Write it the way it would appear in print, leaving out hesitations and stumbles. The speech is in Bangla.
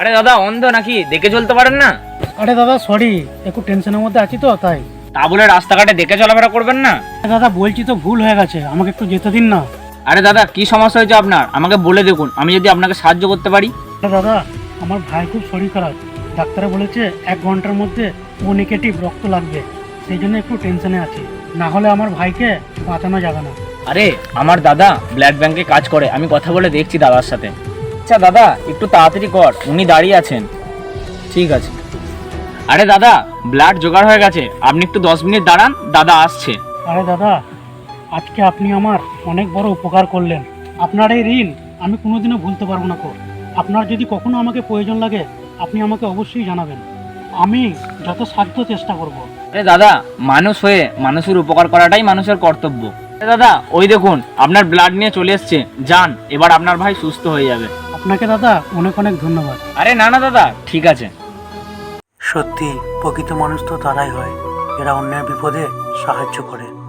আরে দাদা অন্ধ নাকি, দেখে চলতে পারেন না? আরে দাদা সরি, একটু টেনশনের মধ্যে আছি তো তাই। তা বলে রাস্তাঘাটে দেখে চলাফেরা করবেন না। দাদা বলছি তো ভুল হয়ে গেছে, আমাকে একটু যেতে দিন না। আরে দাদা কি সমস্যা হয়েছে আপনার, আমাকে বলে দেখুন, আমি যদি আপনাকে সাহায্য করতে পারি। আরে দাদা আমার ভাই খুব শরীর খারাপ, ডাক্তারে বলেছে 1 ঘন্টার মধ্যে ও নেগেটিভ রক্ত লাগবে, সেই জন্য একটু টেনশনে আছি, না হলে আমার ভাইকে বাঁচানো যাবে না। আরে আমার দাদা ব্লাড ব্যাংকে কাজ করে, আমি কথা বলে দেখছি দাদার সাথে। আচ্ছা দাদা একটু তাড়াতাড়ি কর, উনি দাঁড়িয়ে আছেন। ঠিক আছে। আরে দাদা ব্লাড জোগাড় হয়ে গেছে, আপনি একটু 10 মিনিট দাঁড়ান, দাদা আসছে। আরে দাদা আজকে আপনি আমার অনেক বড় উপকার করলেন, আপনার এই ঋণ আমি কোনোদিনও ভুলতে পারবো না। আপনার যদি কখনো আমাকে প্রয়োজন লাগে আপনি আমাকে অবশ্যই জানাবেন, আমি যত সাধ্য চেষ্টা করব। আরে দাদা মানুষ হয়ে মানুষের উপকার করাটাই মানুষের কর্তব্য। আরে দাদা ওই দেখুন আপনার ব্লাড নিয়ে চলে এসছে, যান এবার আপনার ভাই সুস্থ হয়ে যাবে। আপনাকে দাদা অনেক অনেক ধন্যবাদ। আরে না না দাদা ঠিক আছে। সত্যি প্রকৃত মানুষ তো তারাই হয়, এরা অন্যের বিপদে সাহায্য করে।